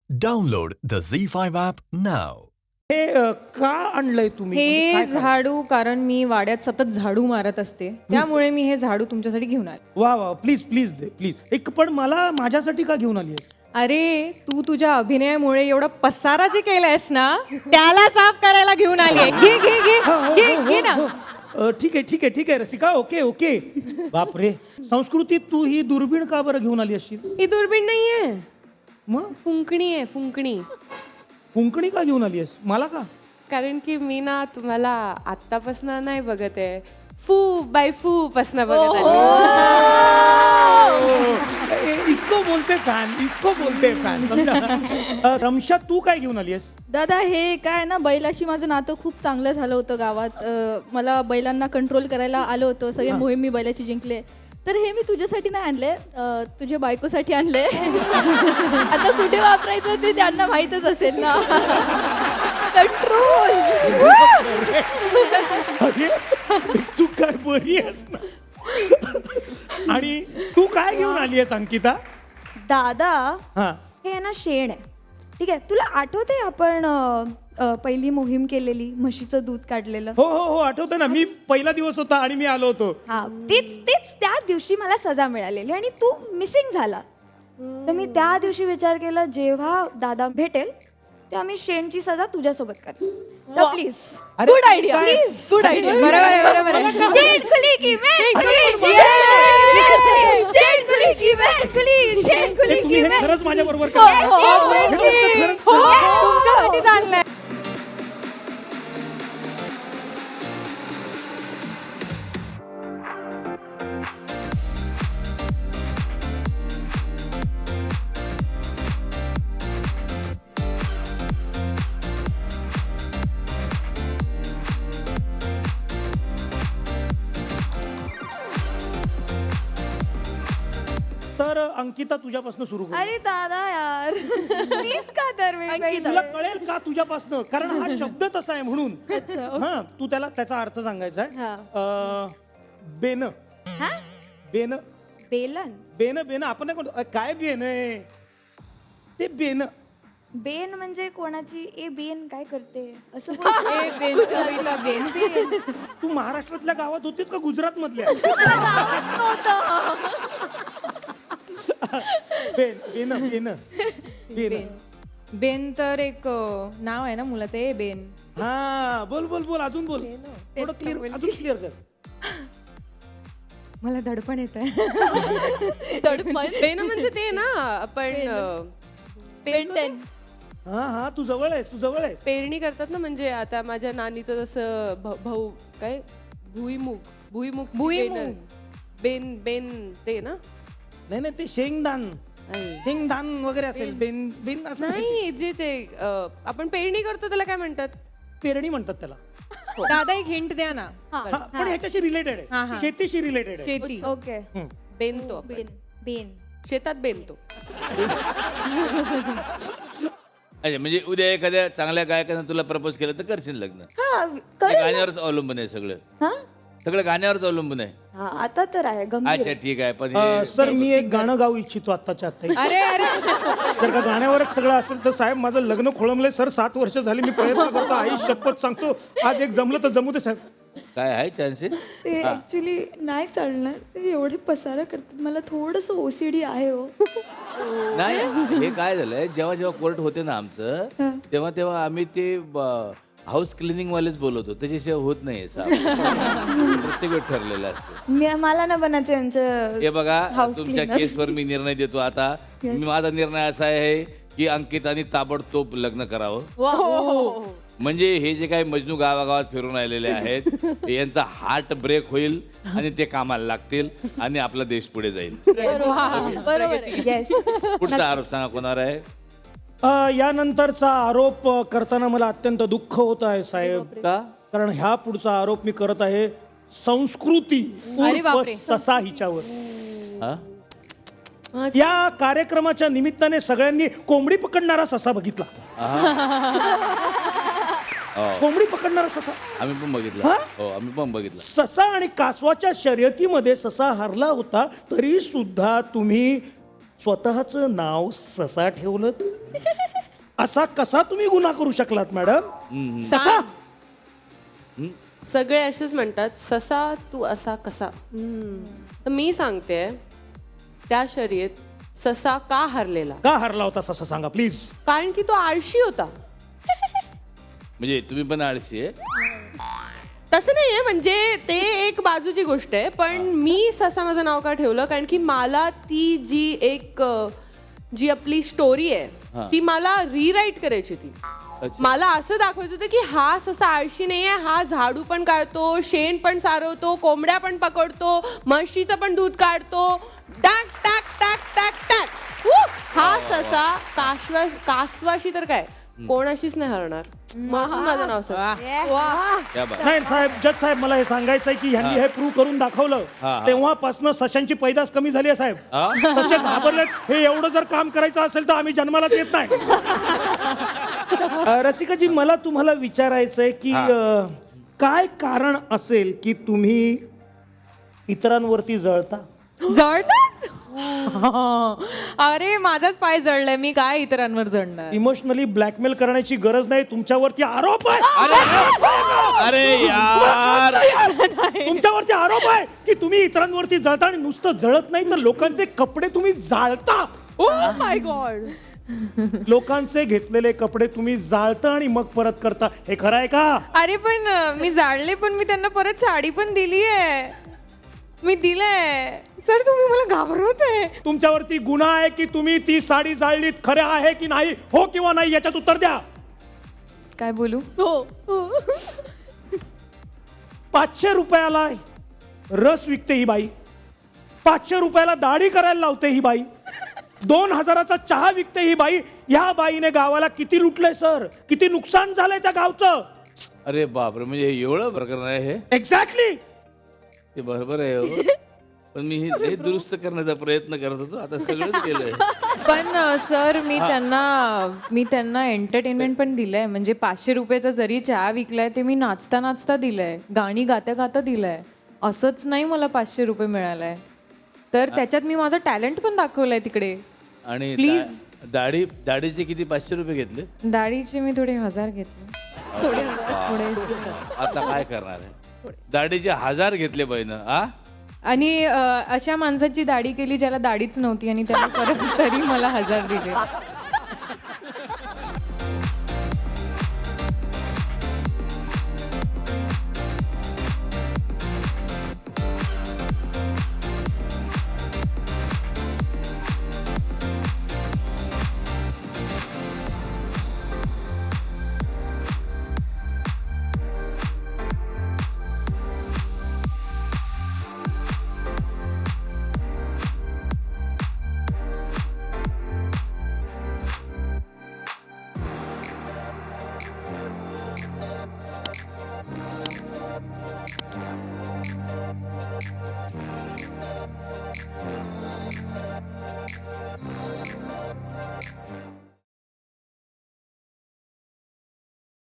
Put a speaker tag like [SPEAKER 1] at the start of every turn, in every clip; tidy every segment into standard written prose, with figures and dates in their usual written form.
[SPEAKER 1] Download the Z5 app now.
[SPEAKER 2] हे का आणलंय तुम्ही? म्हणजे
[SPEAKER 3] हे
[SPEAKER 2] काय
[SPEAKER 3] झाडू कारण मी वाड्यात सतत झाडू मारत असते त्यामुळे मी हे झाडू तुमच्यासाठी घेऊन आले.
[SPEAKER 2] वा वा प्लीज प्लीज दे प्लीज. एक पण मला माझ्यासाठी का घेऊन आली आहे?
[SPEAKER 3] अरे तू तुझ्या अभिनयामुळे एवढा पसारा जे केलायस ना त्याला साफ करायला घेऊन आली आहे. घे घे घे घे घे ना.
[SPEAKER 2] ठीक आहे ठीक आहे ठीक आहे रसिका, ओके ओके. बापरे, संस्कृती तू ही दुर्बीण का बरं घेऊन आली असशील?
[SPEAKER 4] ही दुर्बीण नाहीये,
[SPEAKER 2] मग
[SPEAKER 4] फुंकणी आहे, फुंकणी.
[SPEAKER 2] कुंकणी का घेऊन आली आहेस? मला का?
[SPEAKER 4] कारण की मी ना तुम्हाला आत्तापासून नाही बघत आहे, फू बाय फू पासन बघत
[SPEAKER 2] इसको बोलते फॅन, इसको बोलते फॅन. रमशा तू काय घेऊन आली आहेस?
[SPEAKER 5] दादा हे काय ना, बैलाशी माझं नातं खूप चांगलं झालं होतं गावात. मला बैलांना कंट्रोल करायला आलं होतं, सगळे मोहीम मी बैलाशी जिंकले. तर हे मी तुझ्यासाठी नाही आणले, तुझ्या बायकोसाठी आणले. आता कुठे वापरायचं ते त्यांना माहीतच असेल ना. कंट्रोल.
[SPEAKER 2] अरे तू काय बरी आहेस ना. आणि तू काय घेऊन आली आहेस अंकिता?
[SPEAKER 6] दादा
[SPEAKER 2] हा
[SPEAKER 6] हे ना शेण आहे, ठीक आहे. तुला आठवते आपण पहिली मोहीम केलेली, म्हशीचं दूध काढलेलं?
[SPEAKER 2] हो हो हो आठवतं ना. मी पहिला दिवस होता आणि मी आलो होतो.
[SPEAKER 6] हा तेच तेच त्या दिवशी मला सजा मिळालेली आणि तू मिसिंग झाला. तर मी त्या दिवशी विचार केला जेव्हा दादा भेटेल तेव्हा मी शेणची सजा तुझ्यासोबत कर. तर प्लीज.
[SPEAKER 2] अरे,
[SPEAKER 5] गुड आयडिया,
[SPEAKER 2] काय?
[SPEAKER 5] Good idea.
[SPEAKER 3] बरोबर आहे बरोबर आहे.
[SPEAKER 6] शेण खुली की मेण खुली, शेण खुली की मेण खुली, शेण खुली
[SPEAKER 2] हे तुम्ही
[SPEAKER 6] की
[SPEAKER 2] हे
[SPEAKER 6] मेण.
[SPEAKER 2] खरंच माझ्या बरोबर
[SPEAKER 3] तुमच्यासाठीच आणलंय.
[SPEAKER 2] तर अंकिता तुझ्यापासून सुरू करू.
[SPEAKER 6] अरे दादा यार, मीच का तर
[SPEAKER 5] अंकिता.
[SPEAKER 2] तुला कळेल का तुझ्यापासनं, कारण हा शब्द तसा आहे म्हणून. हा तू त्याला त्याचा अर्थ सांगायचा आहे. बेन बेन
[SPEAKER 6] बेलन
[SPEAKER 2] बेन बेन आपण नाही म्हणतो. काय बेन आहे ते? बेन
[SPEAKER 6] बेन म्हणजे कोणाची ए बेन काय करते असं
[SPEAKER 3] ए, बेन, सविता बेन.
[SPEAKER 2] तू महाराष्ट्रातल्या गावात होतीस का गुजरात मधल्या? बेन बेन बेन बेन.
[SPEAKER 3] बेन तर एक नाव आहे ना मुलाचं. ए बेन.
[SPEAKER 2] हा बोल बोल बोल अजून बोल. थोडं क्लिअर, अजून क्लिअर कर.
[SPEAKER 3] मला धडपण येत आहे.
[SPEAKER 4] बेन म्हणजे ते ना आपण
[SPEAKER 5] पेंटेन.
[SPEAKER 2] हा हा तू जवळ आहेस, तू जवळ आहेस.
[SPEAKER 4] पेरणी करतात ना, म्हणजे आता माझ्या नानीचं जसं भाऊ काय भुईमुग भुईमुग
[SPEAKER 3] भुईमुग.
[SPEAKER 4] बेन बेन ते ना.
[SPEAKER 2] नाही नाही ते शेंगदान
[SPEAKER 4] नाही.
[SPEAKER 2] शेंगदान वगैरे असेल. बेन बेन असं नाही.
[SPEAKER 4] नाही, जे ते आपण पेरणी करतो त्याला काय म्हणतात?
[SPEAKER 2] पेरणी म्हणतात त्याला.
[SPEAKER 3] दादा एक हिंट द्या ना.
[SPEAKER 2] हा, पण ह्याच्याशी रिलेटेड
[SPEAKER 3] हा,
[SPEAKER 2] आहे,
[SPEAKER 3] हा.
[SPEAKER 2] शेतीशी रिलेटेड आहे.
[SPEAKER 3] शेती.
[SPEAKER 6] ओके.
[SPEAKER 4] बेनतो आपण.
[SPEAKER 6] बेन
[SPEAKER 4] शेतात बेनतो.
[SPEAKER 7] अच्छा, म्हणजे उद्या एखाद्या चांगल्या गायकानं तुला प्रपोज केलं तर करशील लग्न?
[SPEAKER 6] हा
[SPEAKER 7] ते
[SPEAKER 6] कर
[SPEAKER 7] गाण्यावरच अवलंबून आहे सगळं.
[SPEAKER 6] हा
[SPEAKER 7] सगळं गाण्यावरच अवलंबून आहे.
[SPEAKER 6] हा आता तर आहे गंभीर.
[SPEAKER 7] अच्छा ठीक आहे, पण हे
[SPEAKER 2] सर मी एक गाणं गाऊ इच्छितो आत्ताच्या आत्ता.
[SPEAKER 3] अरे अरे
[SPEAKER 2] जर का गाण्यावरच सगळं असेल तर साहेब माझं लग्न खोळंबलंय सर. 7 वर्ष झाली मी प्रयत्न करतो. आई शपथ सांगतो आज एक जमलं तर जमू दे साहेब.
[SPEAKER 7] काय आहे चान्सेस?
[SPEAKER 6] ते ऍक्च्युली नाही चालणार. ते एवढे पसारा करतात. मला थोडस ओसीडी आहे हो.
[SPEAKER 7] नाही, हे काय झालंय, जेव्हा जेव्हा कोर्ट होते ना आमचं, तेव्हा तेव्हा आम्ही ते हाऊस क्लिनिंग वालेच बोलवतो. त्याच्याशिवाय होत नाही साहेब. प्रत्येक वेळ ठरलेलं असतं.
[SPEAKER 6] मला ना बनायचं यांचं.
[SPEAKER 7] हे बघा,
[SPEAKER 6] House
[SPEAKER 7] तुमच्या
[SPEAKER 6] cleaner.
[SPEAKER 7] केसवर मी निर्णय देतो आता. माझा निर्णय असा आहे की अंकिताने ताबडतोब लग्न करावं. म्हणजे हे जे काही मजनू गावागावात फिरून आलेले आहेत यांचा हार्ट ब्रेक होईल आणि ते कामाला लागतील आणि आपला देश पुढे जाईल.
[SPEAKER 5] बरोबर आहे.
[SPEAKER 6] येस.
[SPEAKER 7] पुढचा आरोप सांगा कोणावर आहे?
[SPEAKER 2] यानंतरचा आरोप करताना मला अत्यंत दुःख होत आहे साहेब.
[SPEAKER 7] का?
[SPEAKER 2] कारण ह्या पुढचा आरोप मी करत आहे संस्कृती
[SPEAKER 3] अरे
[SPEAKER 2] उर्फ
[SPEAKER 3] बापरे.
[SPEAKER 2] ससा हिच्यावर.
[SPEAKER 7] हा?
[SPEAKER 2] या कार्यक्रमाच्या निमित्ताने सगळ्यांनी कोंबडी पकडणारा ससा बघितला. कोंबडी पकडणारा ससा
[SPEAKER 7] आम्ही पण बघितलं.
[SPEAKER 2] हा?
[SPEAKER 7] हो, आम्ही पण बघितलं.
[SPEAKER 2] ससा आणि कासवाच्या शर्यतीमध्ये ससा हरला होता, तरी सुद्धा तुम्ही स्वतःचं नाव ससा ठेवलं. असा कसा तुम्ही गुन्हा करू शकलात मॅडम? कसा?
[SPEAKER 4] सगळे असेच म्हणतात, ससा तू असा कसा. तर मी सांगते, त्या शर्यत ससा का हरलेला?
[SPEAKER 2] का हरला होता ससा सांगा प्लीज.
[SPEAKER 4] कारण की तो आळशी होता.
[SPEAKER 7] म्हणजे तुम्ही पण आळशी आहे.
[SPEAKER 4] तसं नाहीये, म्हणजे ते एक बाजूची गोष्ट आहे, पण मी ससा माझं नाव का ठेवलं, कारण की मला ती जी आपली स्टोरी आहे ती मला रिराईट करायची होती. मला असं दाखवायचं होतं की हा ससा आळशी नाहीये, हा झाडू पण काढतो, शेण पण सारवतो, कोंबड्या पण पकडतो, म्हशीचं पण दूध काढतो, टाक टाक टाक टाक टाक. हा ससा कासवाशी तर काय कोणाशीच नाही हरणार, म्हणून माझं नाव ससा.
[SPEAKER 7] क्या बात.
[SPEAKER 2] नाही साहेब, जज साहेब, मला हे सांगायचंय की ह्यांनी हे प्रूव्ह करून दाखवलं तेव्हापासून सशांची पैदास कमी झाली आहे साहेब. ससे घाबरलेत. हे एवढं जर काम करायचं असेल तर आम्ही जन्मालाच येत नाही. रसिकाजी, मला तुम्हाला विचारायचंय की काय कारण असेल की तुम्ही इतरांवरती जळता?
[SPEAKER 3] जळतात? अरे माझाच पाय जळलाय, मी काय इतरांवर जळणार?
[SPEAKER 2] इमोशनली ब्लॅकमेल करण्याची गरज नाही, तुमच्यावरती आरोप आहे.
[SPEAKER 7] अरे यार,
[SPEAKER 2] तुमच्यावरती आरोप आहे की तुम्ही इतरांवरती जळता आणि नुसतं जळत नाही तर लोकांचे कपडे तुम्ही जाळता.
[SPEAKER 3] Oh my God.
[SPEAKER 2] लोकांचे घेतलेले कपडे तुम्ही जाळता आणि मग परत करता. हे खरं आहे का?
[SPEAKER 3] अरे पण मी जाळले, पण मी त्यांना परत साडी पण दिली आहे. मी दिलंय सर, तुम्ही मला घाबरवताय.
[SPEAKER 2] तुमच्यावरती गुन्हा आहे की तुम्ही ती साडी जाळलीत. खरे आहे की नाही? हो किंवा नाही याच्यात उत्तर द्या.
[SPEAKER 3] काय बोलू?
[SPEAKER 2] 500 रुपयाला रस विकते ही बाई, 500 रुपयाला दाढी करायला लावते ही बाई, 2000चा चहा विकते ही बाई. ह्या बाईने गावाला किती लुटलंय सर, किती नुकसान झालंय त्या गावचं.
[SPEAKER 7] अरे बापरे, म्हणजे एवढं प्रकरण आहे हे?
[SPEAKER 2] एक्झॅक्टली.
[SPEAKER 7] ते बरोबर आहे हो. पण मी हे दुरुस्त करण्याचा प्रयत्न करत होतो, आता सगळंच केलंय.
[SPEAKER 3] पण सर, मी त्यांना एंटरटेनमेंट पण दिलंय. म्हणजे 500 रुपयाचा जरी चहा विकलाय ते मी नाचता नाचता दिलंय, गाणी गाता गाता दिलंय. असंच नाही मला 500 रुपये मिळालाय, तर त्याच्यात मी माझं टॅलेंट पण दाखवलंय तिकडे.
[SPEAKER 7] आणि
[SPEAKER 3] प्लीज.
[SPEAKER 7] दाढीचे किती 500 रुपये घेतले?
[SPEAKER 3] दाढीचे मी थोडे 1000 घेतले. थोडे.
[SPEAKER 7] आता काय करणार आहे? दाढीचे 1000 घेतले बहिण.
[SPEAKER 3] आणि अशा माणसाची दाढी केली ज्याला दाढीच नव्हती आणि त्याला परत तरी मला 1000 दिले.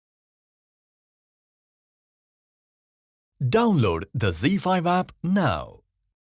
[SPEAKER 1] Download the Z5 app now.